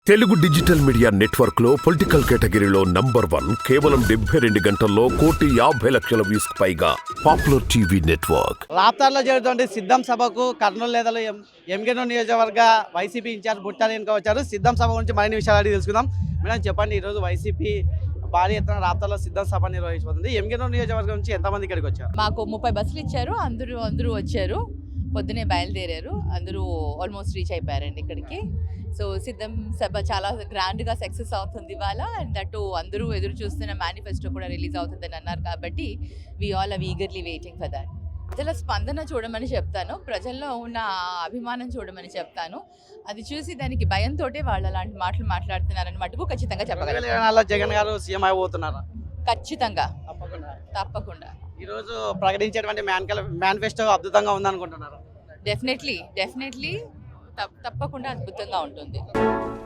Telugu digital media network లో political కేటగిరీలో #1 కేవలం 72 గంటల్లో 1,50,00,000 వ్యూస్ పైగా పాపులర్ టీవీ నెట్వర్క్. రాప్తార్లో జరుగుతుంది సిద్ధం సభకు కర్నూలు నేతలు ఎంగనూరు నియోజకవర్గ వైసీపీ ఇన్ఛార్జ్ బుట్టాలి వెనుక వచ్చారు. సిద్ధం సభ గురించి మరిన్ని విషయాలు అడిగి తెలుసుకుందాం. మేడం చెప్పండి, ఈరోజు వైసీపీ భారీ ఎత్తున రాప్తార్లో సిద్ధం సభ నిర్వహించబోతుంది. ఎంగనూరు నియోజకవర్గం నుంచి ఎంతమంది ఇక్కడికి వచ్చారు? మాకు 30 బస్సులు ఇచ్చారు. అందరూ వచ్చారు. పొద్దునే బయలుదేరారు. అందరూ ఆల్మోస్ట్ రీచ్ అయిపోయారండి ఇక్కడికి. సో సిద్ధం సభ చాలా గ్రాండ్గా సక్సెస్ అవుతుంది ఇవాళ. అండ్ దట్టు అందరూ ఎదురు చూస్తున్న మేనిఫెస్టో కూడా రిలీజ్ అవుతుందని అన్నారు కాబట్టి we all are eagerly waiting for that. ప్రజల స్పందన చూడమని చెప్తాను, ప్రజల్లో ఉన్న అభిమానం చూడమని చెప్తాను. అది చూసి దానికి భయంతో వాళ్ళు అలాంటి మాటలు మాట్లాడుతున్నారని మటుకు ఖచ్చితంగా చెప్పగలను. జగన్ గారు సీఎం అయిపోతున్నారా? ఖచ్చితంగా, తప్పకుండా. ఈరోజు ప్రకటించేటువంటి మేనిఫెస్టో అద్భుతంగా ఉందనుకుంటున్నారు? డెఫినెట్లీ తప్పకుండా అద్భుతంగా ఉంటుంది.